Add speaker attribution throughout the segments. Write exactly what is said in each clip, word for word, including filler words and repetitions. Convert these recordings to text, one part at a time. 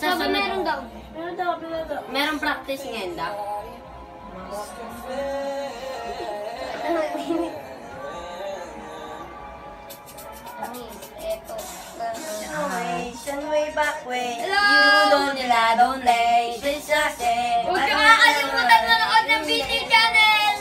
Speaker 1: Sabi
Speaker 2: sunod-
Speaker 1: meron daw. Meron daw, meron daw.
Speaker 2: Merong practice ngayon daw.
Speaker 1: Eto.
Speaker 3: Generation way back way.
Speaker 1: Hello!
Speaker 3: You don't nila, don't lay. This just say.
Speaker 1: Huwag ka makakalimutan manood ng B T channel!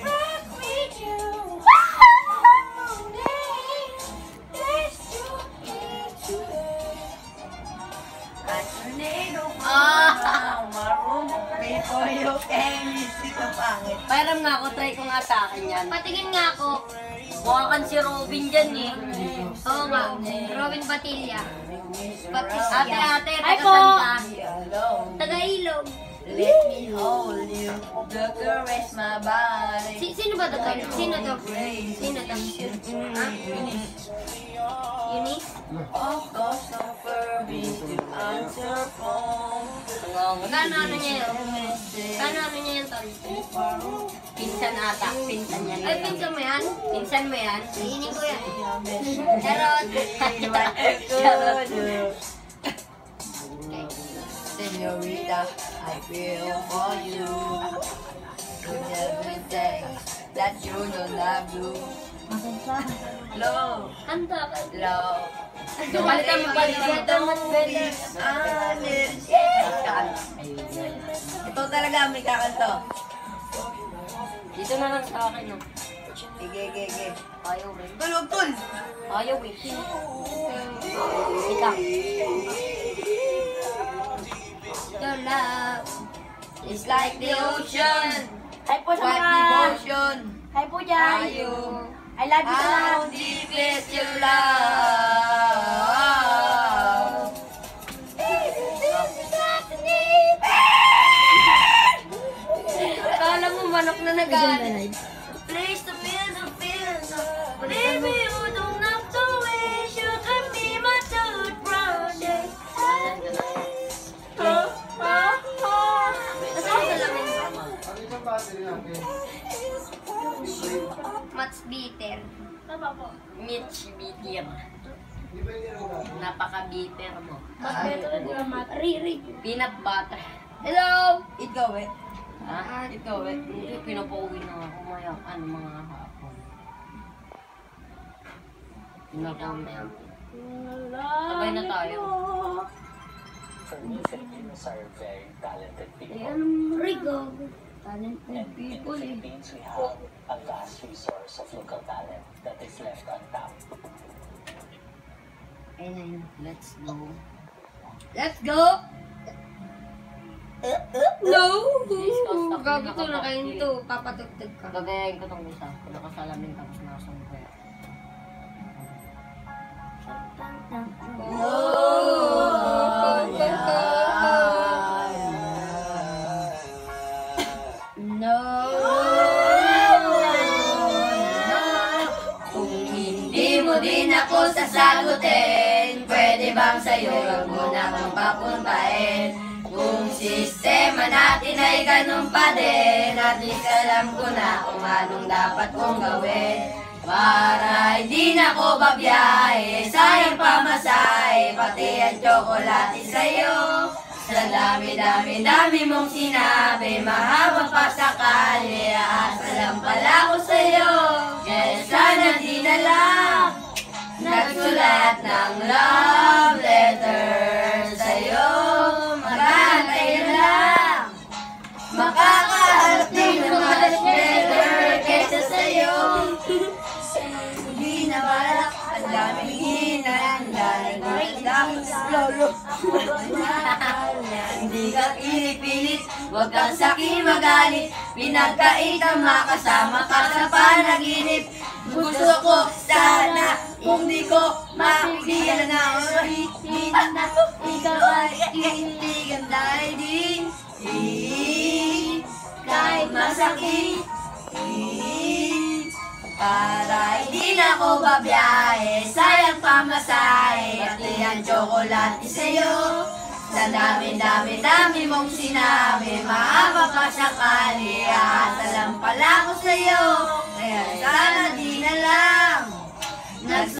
Speaker 3: Ah! Marunong before you can see the pangit.
Speaker 2: Pairam nga ako, try ko nga sa akin yan.
Speaker 1: Patingin nga ako.
Speaker 2: Mukha kang si Robin dyan eh.
Speaker 1: Oo nga. Robin Batilla. Batista.
Speaker 2: Ate, ate,
Speaker 1: Ay
Speaker 2: taga
Speaker 1: po!
Speaker 2: Santa.
Speaker 3: Alone.
Speaker 1: Taga-ilog.
Speaker 3: Let me hold you. The caress my body.
Speaker 1: Si sino ba to? Sino to? Sino to? Ha? Eunice?
Speaker 3: Of course, no permit to answer phone.
Speaker 1: Kano ano niya yun? Kano ano niya yun, Tol?
Speaker 2: Pinsan ata, pinsan yan.
Speaker 1: Ay, pinsan mo yan?
Speaker 2: Pinsan mo yan?
Speaker 1: Iinin ko yan. Charot.
Speaker 2: Charot.
Speaker 3: Senorita, I feel for you. You never say that you don't love you. Love,
Speaker 1: Kanta ka.
Speaker 3: love.
Speaker 2: Palitan mo, palitan mo.
Speaker 3: Ito talaga may kakanto.
Speaker 2: Dito na lang sa akin, no?
Speaker 3: Ige, ige, ige.
Speaker 2: Ayaw eh.
Speaker 3: Tulog, tul!
Speaker 2: Ayaw eh. Ikaw.
Speaker 1: Your love.
Speaker 3: It's like the ocean.
Speaker 1: Hi po
Speaker 3: What devotion.
Speaker 1: Hi po dyan.
Speaker 3: Ayaw.
Speaker 1: I love you sa
Speaker 3: How deep is your love?
Speaker 1: Kala mo manok na nag-aaral.
Speaker 3: Place to feel the feel.
Speaker 1: Baby, you don't have to wish. You can be my toothbrush. Nasaan sa lamin? Much bitter. Tama po.
Speaker 2: Mitch bitter. Napaka-bitter mo.
Speaker 1: Mas better na mat. Riri.
Speaker 2: Peanut butter.
Speaker 1: Hello!
Speaker 3: Ikaw eh.
Speaker 2: Ha? Ikaw eh. Hindi, pinapauwi na ako maya. Ano mga hapon. Pinapauwi na ako. Sabay na tayo.
Speaker 4: For me, Filipinos are very talented people.
Speaker 1: Rigo. Talented
Speaker 4: And in the
Speaker 1: people eh.
Speaker 4: Philippines, we have a vast resource of local talent that is left untapped.
Speaker 2: Ayun na yun. Let's go.
Speaker 1: Let's go! No! Gago to na kayo to. Papatugtog ka.
Speaker 2: Gagayain ko itong isa. Kung nakasalamin tapos nakasama ko yan.
Speaker 1: No!
Speaker 3: Kung hindi mo din ako sasagutin, pwede bang sa'yo lang muna akong papuntahin? Kung sistema natin ay ganun pa din, at least alam ko na kung anong dapat kong gawin. Para hindi na ko babiyahe, sayang pamasahe, pati ang tsokolate sa'yo. Sa dami-dami-dami mong sinabi, mahaba pa sakali, aasa lang pala ko sa'yo. Kaya sana di na lang nagsulat ng love letter sa'yo. Magantay na lang, makakaharap din ng much better kaysa sa'yo. Hindi na balak, ang daming hinahanda, dapat lolo. Hindi ka pinipilit, huwag kang sakin magalit, pinagkait ang makasama ka sa panaginip. Gusto ko sana, kung di ko makikita na ulitin na ikaw ay tinitigan dahil din. Kahit masakit, para hindi na ko babiyahe, sayang pamasahe, pati ang tsokolate sa'yo. Sa dami-dami-dami mong sinabi, mahaba pa sakali, aasa lang pala ko sa'yo. Kaya sana di na lang